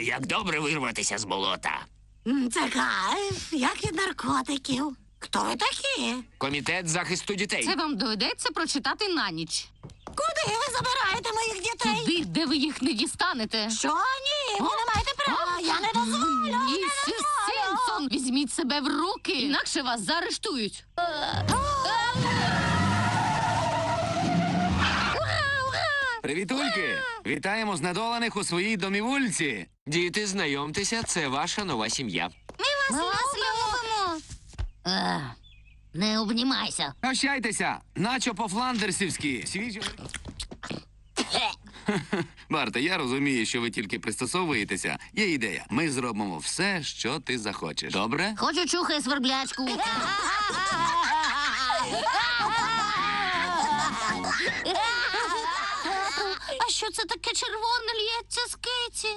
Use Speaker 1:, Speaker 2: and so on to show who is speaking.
Speaker 1: як добре вирватися з болота.
Speaker 2: Це кайф, як від наркотиків. Хто ви такі?
Speaker 1: Комітет захисту дітей.
Speaker 3: Це вам доведеться прочитати на ніч.
Speaker 2: Куди ви забираєте моїх дітей?
Speaker 3: Туди, де ви їх не дістанете.
Speaker 2: Що? Ні, ви не маєте права. Я не дозволю.
Speaker 3: Місіс Сімпсон, візьміть себе в руки, інакше вас заарештують.
Speaker 4: Привітульки! Вітаємо знедолених у своїй домівульці.
Speaker 1: Діти, знайомтеся, це ваша нова сім'я.
Speaker 3: Ми вас любимо.
Speaker 2: Не обнімайся.
Speaker 4: Прощайтеся, начо по-фландерсівськи. Барте, я розумію, що ви тільки пристосовуєтеся. Є ідея. Ми зробимо все, що ти захочеш. Добре?
Speaker 2: Хочу чухай сверблячку. А що це таке червоне лється з киці?